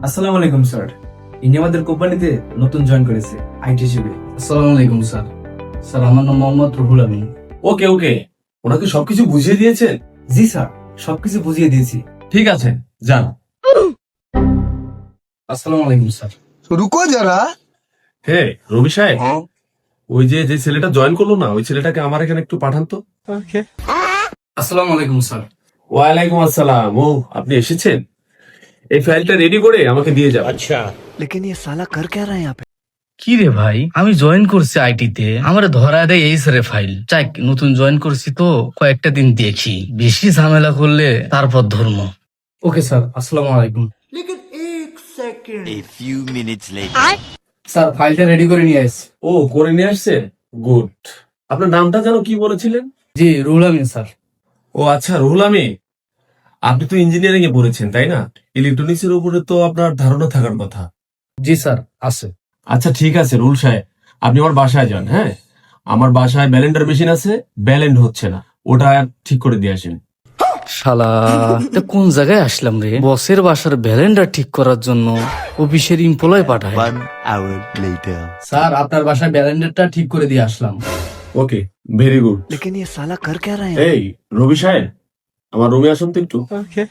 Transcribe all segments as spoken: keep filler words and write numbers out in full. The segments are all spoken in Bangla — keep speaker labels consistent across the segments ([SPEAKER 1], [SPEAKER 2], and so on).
[SPEAKER 1] আসসালামু আলাইকুম স্যার। ইনি আমাদের কোম্পানিতে নতুন জয়েন করেছে আইটি হিসেবে।
[SPEAKER 2] আসসালামু আলাইকুম স্যার। স্যার আমার নাম মোহাম্মদ রুহুল আমিন।
[SPEAKER 3] ওকে ওকে ওনাকে সবকিছু বুঝিয়ে দিয়েছেন?
[SPEAKER 1] জি স্যার, সবকিছু বুঝিয়ে দিয়েছি।
[SPEAKER 3] ঠিক আছে, যান।
[SPEAKER 2] আসসালামু আলাইকুম স্যার।
[SPEAKER 4] रुको जरा।
[SPEAKER 3] হে রবি সাহেব, ওই যে যে ছেলেটা জয়েন করলো না, ওই ছেলেটাকে আমার এখানে একটু পাঠান তো।
[SPEAKER 2] আসসালামু আলাইকুম স্যার।
[SPEAKER 3] ওয়ালাইকুম আসসালাম। ও আপনি এসেছেন, এই ফাইলটা রেডি করে আমাকে দিয়ে যাবেন। আচ্ছা।
[SPEAKER 4] लेकिन ये साला कर क्या रहा है यहाँ पे?
[SPEAKER 5] কি রে ভাই, আমি জয়েন করছি আইটিতে, আমার ধরা দেয় এই সারে ফাইল। চাই নতুন জয়েন করছি তো কয়েকটা দিন দেখি, বেশি ঝামেলা করলে তারপর ধর্ম।
[SPEAKER 2] ওকে স্যার, আসসালামু আলাইকুম।
[SPEAKER 6] A few minutes later.
[SPEAKER 2] Sir ফাইলটা রেডি করে নিয়ে আসছি।
[SPEAKER 3] ও করে নিয়ে আসছে, গুড। আপনার নামটা যেন কি বলেছিলেন?
[SPEAKER 2] জি রুহুল আমিন স্যার।
[SPEAKER 3] ও আচ্ছা, রুহুল আমিন। আপনি তো ইঞ্জিনিয়ারিং এ পড়েছেন তাই না? ইলেকট্রনিক্স এর উপরে তো আপনার ধারণা থাকার কথা।
[SPEAKER 2] জি স্যার আছে।
[SPEAKER 3] আচ্ছা ঠিক আছে রুহুল সাহেব, আপনি আমার বাসায় যান। হ্যাঁ, আমার বাসায় ব্যালেন্ডার মেশিন আছে, ব্যালেন্ড হচ্ছে না, ওটা ঠিক করে দিয়ে আসেন।
[SPEAKER 5] শালা, এটা কোন জায়গায় আসলাম রে? বসের বাসার ব্যালেন্ডার ঠিক করার জন্য অফিসের এমপ্লয় পাঠায়।
[SPEAKER 6] One hour later.
[SPEAKER 2] স্যার আপনার বাসায় ব্যালেন্ডারটা ঠিক করে দিয়ে আসলাম।
[SPEAKER 3] ওকে, ভেরি গুড।
[SPEAKER 4] लेकिन ये साला कर क्या रहा है?
[SPEAKER 3] এই রবি সাহেব, আমার রুমে আসুন তো একটু।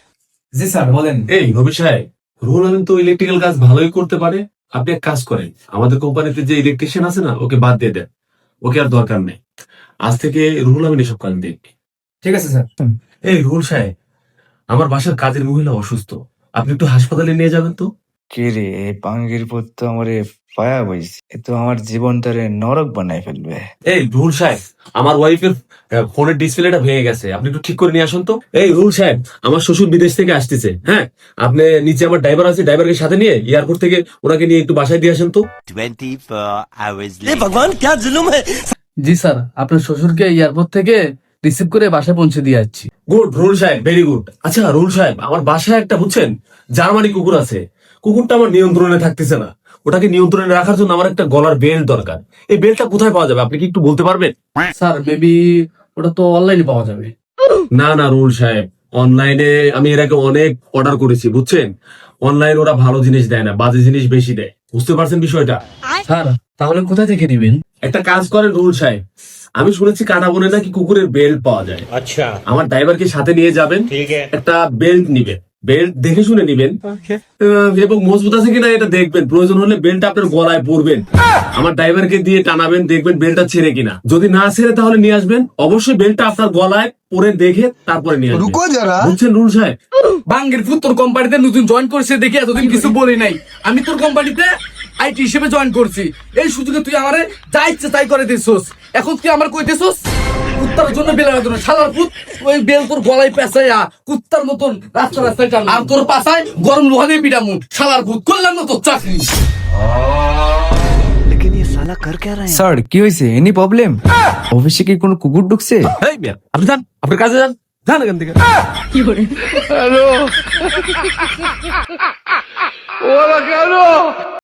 [SPEAKER 1] জি স্যার, বলেন।
[SPEAKER 3] এই রবি সাহেব, রুহুল আমিন তো ইলেকট্রিক্যাল কাজ ভালোই করতে পারে। আপনি এক কাজ করেন, আমাদের কোম্পানিতে যে ইলেকট্রিশিয়ান আছে না, ওকে বাদ দিয়ে দেন। ওকে আর দরকার নেই, আজ থেকে রুহুল আমিন এসব কাজ দেখবে।
[SPEAKER 1] ঠিক আছে স্যার।
[SPEAKER 3] এই রুহুল সাহেব, আমার বাসার কাজের মহিলা অসুস্থ, আপনি একটু হাসপাতালে নিয়ে যাবেন তো।
[SPEAKER 7] কে রে, এই পাঙ্গির পুত তো আমারে পায়া বইছে, এ তো আমার জীবনটারে নরক বানাই ফেলবে।
[SPEAKER 3] এই রুহুল সাহেব, আমার ওয়াইফের ফোনের ডিসপ্লেটা ভেঙে গেছে, আপনি একটু ঠিক করে নিয়ে আসুন তো। এই রুহুল সাহেব, আমার শ্বশুর বিদেশ থেকে আসতেছে। হ্যাঁ, আপনি নিচে আমার ড্রাইভার আছে, ড্রাইভারকে সাথে নিয়ে এয়ারপোর্ট থেকে ওনাকে নিয়ে একটু বাসায় দিয়ে আসেন তো।
[SPEAKER 6] twenty-four hours later.
[SPEAKER 2] জি স্যার, আপনার শ্বশুরকে এয়ারপোর্ট থেকে রিসিভ করে বাসায় পৌঁছে দিয়ে যাচ্ছি।
[SPEAKER 3] গুড রুহুল সাহেব, ভেরি গুড। আচ্ছা রুহুল সাহেব, আমার বাসায় একটা বুঝছেন জার্মানি কুকুর আছে, কুকুরটা আমার নিয়ন্ত্রণে থাকতেছে না। ওটাকে নিয়ন্ত্রণে রাখার জন্য আমার একটা গলার বেল্ট দরকার। এই বেল্টটা কোথায় পাওয়া যাবে, আপনি কি একটু বলতে পারবেন?
[SPEAKER 2] স্যার মেবি ওটা তো অনলাইনে পাওয়া যাবে।
[SPEAKER 3] না না রুহুল সাহেব, অনলাইনে আমি এর আগে অনেক অর্ডার করেছি, বুঝছেন। অনলাইন ওরা ভালো জিনিস দেয় না, বাজে জিনিস বেশি দেয়, বুঝতে পারছেন বিষয়টা?
[SPEAKER 2] স্যার তাহলে কোথা থেকে দিবেন?
[SPEAKER 3] একটা কাজ করেন রুহুল সাহেব, আমি শুনেছি কাটা বনে নাকি কুকুরের বেল্ট পাওয়া যায়। আচ্ছা, আমার ড্রাইভারকে সাথে নিয়ে যাবেন, একটা বেল্ট নিবেন, বেল্ট দেখে শুনে নিবেন আহ, এবং মজবুত আছে কিনা এটা দেখবেন। প্রয়োজন হলে বেল্টটা আপনার গলায় পরবেন, আমার ড্রাইভারকে দিয়ে টানাবেন, দেখবেন বেল্টটা ছেড়ে কিনা। যদি না ছেড়ে তাহলে নিয়ে আসবেন, অবশ্যই বেল্টটা আপনার গলায় পরে দেখে তারপরে নিয়ে আসবেন,
[SPEAKER 4] रुको जरा।
[SPEAKER 3] বুঝছেন রুহুল সাহেব?
[SPEAKER 2] বাঙ্গের ফুট তোর কোম্পানিতে নতুন জয়েন করছে দেখে এতদিন কিছু বলি নাই। আমি তোর কোম্পানিতে আইটি হিসেবে জয়েন করছি, এই সুযোগে তুই আমারে যা ইচ্ছে তাই করে দিছস। এখন তুই আমার কই দিছস কুত্তার জন্য বেলার জন্য। শালার পুত, ওই বেল তোর গলায় পেঁচাইয়া কুত্তার মতন রাস্তা রাস্তায় টান, আর তোর পাশায় গরম লোহা দিয়ে পিটামু। শালার পুত, করলাম না তোর চাকরি।
[SPEAKER 4] लेकिन ये साला कर क्या रहा है?
[SPEAKER 8] স্যার কি হয়েছে? Any problem? অফিসে কি কোনো কুকুর ঢুকছে?
[SPEAKER 3] এই মিয়া, আপনি যান, আপনার কাজে যান, যান এখান থেকে।
[SPEAKER 2] হ্যালো।